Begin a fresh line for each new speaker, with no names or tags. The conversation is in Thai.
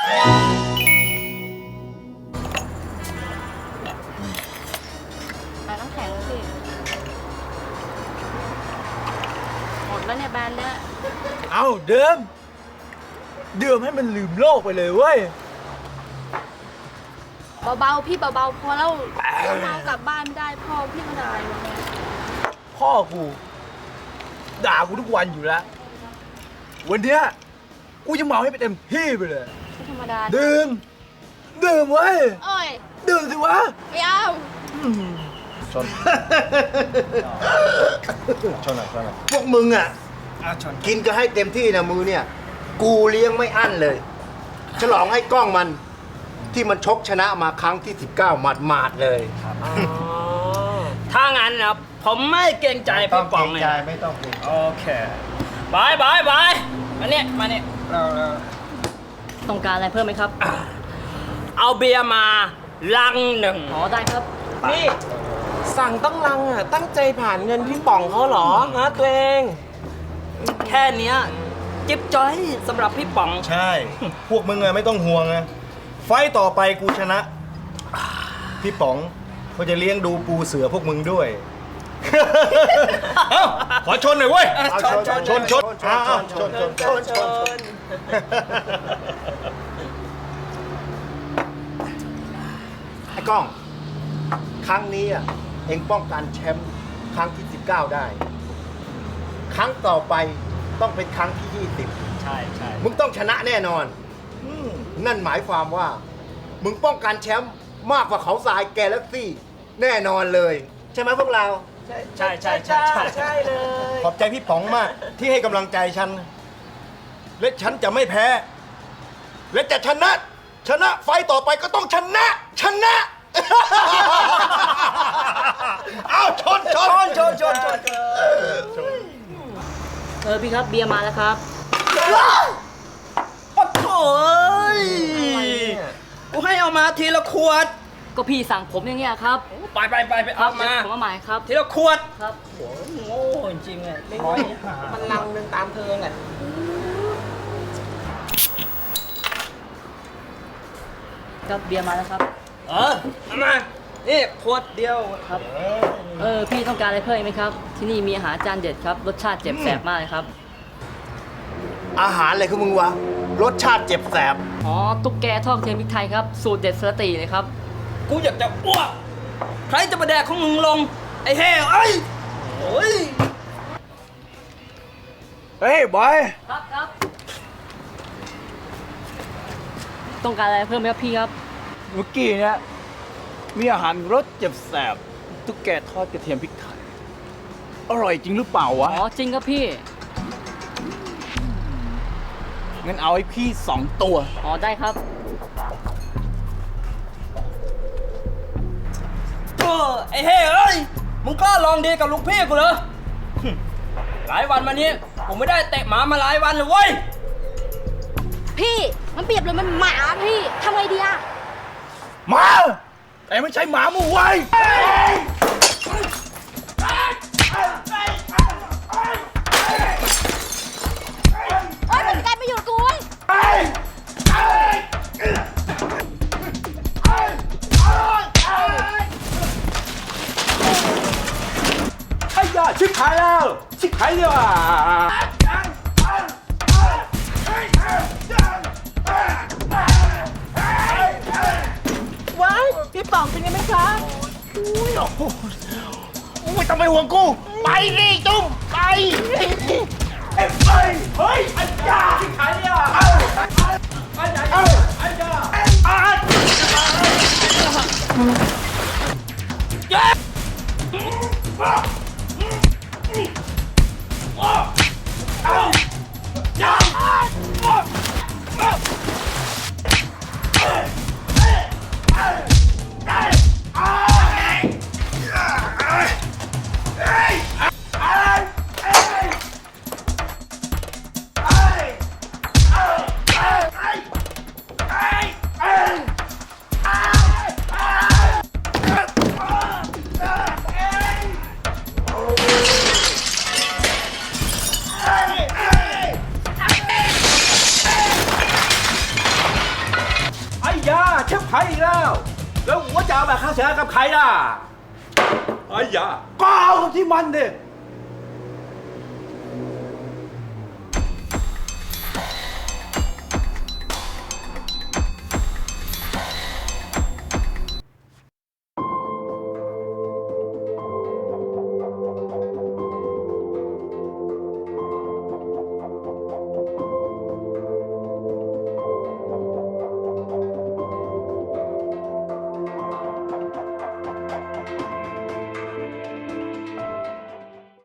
น้ำแข็งเลยพี่หมดแล้วเนี่ยแบรนด์เนี้ย
เอาเดิมให้มันลืมโลกไปเลยเว้ย
เบาๆพี่เบาๆพอแล้วเมากลับบ้านไม่ได้พ่อพี่ก็ได้วันนี้
พ่อกูด่ากูทุกวันอยู่แล้ววันเนี้ยกูจะเมาให้เต็มที่ไปเลย
ไม่ธรรมดา
ดื่มเว้ย
โอ้ย
ดื่มสิวะ
ไม่เอา
ชนพวกมึงอ่ะกินก็ให้เต็มที่นะมือเนี่ยกูเลี้ยงไม่อั้นเลยฉลองให้กล้องมันที่มันชกชนะมาครั้งที่19หมาดเลย
ถ้างั้นนะผมไม่เกรงใจพี่ป๋องเลย
ไม่ต้องเกรงใจ
โอเคบายมาเนี่ย
ต้องการอะไรเพิ่มไหมครับ
เอาเบียร์มาลังหนึ่ง
อ๋อได้ครับ
นี่สั่งต้องลังอ่ะตั้งใจผ่านเงินพี่ป๋องเขาเหรอฮะตัวเอง
แค่เนี้ยจิ๊บจ้อยสำหรับพี่ป๋อง
ใช่พวกมึงอะไม่ต้องห่วงนะไฟต่อไปกูชนะพี่ป๋องเขาจะเลี้ยงดูปูเสือพวกมึงด้วยขอชนหน่อยเว้ยชนไอ้ก้องครั้งนี้อ่ะเอ็งป้องกันแชมป์ครั้งที่19ได้ครั้งต่อไปต้องเป็นครั้งที่20ใช่มึงต้องชนะแน่นอนนั่นหมายความว่ามึงป้องกันแชมป์มากกว่าเขาทรายแกแล็กซี่แน่นอนเลยใช่ไหมพวกเรา
ใช่
เลยขอบใจพี่ป๋องมากที่ให้กำลังใจฉันและฉันจะไม่แพ้และจะชนะไฟต่อไปก็ต้องชนะเอาชน
พี่ครับเบียร์มาแล้วครับ
โอ้โหกูให้เอามาทีละขวด
ก็พี่สั่งผมอย่างเงี้ยครับ
ไปเอามา
ผมมาใหม่ครับ
ทีละขวด
ครับ
โอ้โง่จริงๆเลย
มันลังหนึ่งตามเธอไง
ครับเบียร์มาแล้วครับ
เอามานี่ขวดเดียว
ครับพี่ต้องการอะไรเพิ่มไหมครับที่นี่มีอาหารจานเด็ดครับรสชาติเจ็บแสบมากเลยครับ
อาหารอะไรของมึงวะรสชาติเจ็บแสบ
อ๋อตุ๊กแกทอดเทียมพริกไทยครับสูตรเด็ดสตีเลยครับ
กูอยากจะอ้วกใครจะมาแดกของมึงลงไอ้เฮ้ยโอ้ย
เฮ้ยบอย
ครับต้องการอะไรเพิ่มไหมครับพี่ครับ
เมื่อกี้เนี่ยมีอาหารรสเจ็บแสบตุ๊กแกทอดกระเทียมพริกไทยอร่อยจริงหรือเปล่าวะ
อ๋อจริงครับพี่
งั้นเอาให้พี่2 ตัว
อ๋อได้ครับ
ไอ้เฮ้ยมึงกล้าลองดีกับลูกพี่กูเหรอหลายวันมานี้ผมไม่ได้เตะหมามาหลายวันเลยเว้ย
พี่มันเปรียบเลยมันหมาพี่ทำไงดีอะ
หมาแต่ไม่ใช่หมาหมู่ไว้
มันกลายไปอยู่กูเว้ย
ไอ้ยาชิบหายแล้วชิบหายเลยว่ะ
ว้ายพี่ป๋องเป็นไงไหมคะ
ไม่ต้องไปห่วงกูไปดิจุ้มไปเฮ้ยไอ้ยาชิบหายเลยว่ะไอ้ยาใครอีกแล้ว แล้วหัวจะเอาแบบค่าเสียหายกับใครล่ะไอ้ยาก็เอากับที่มันดิ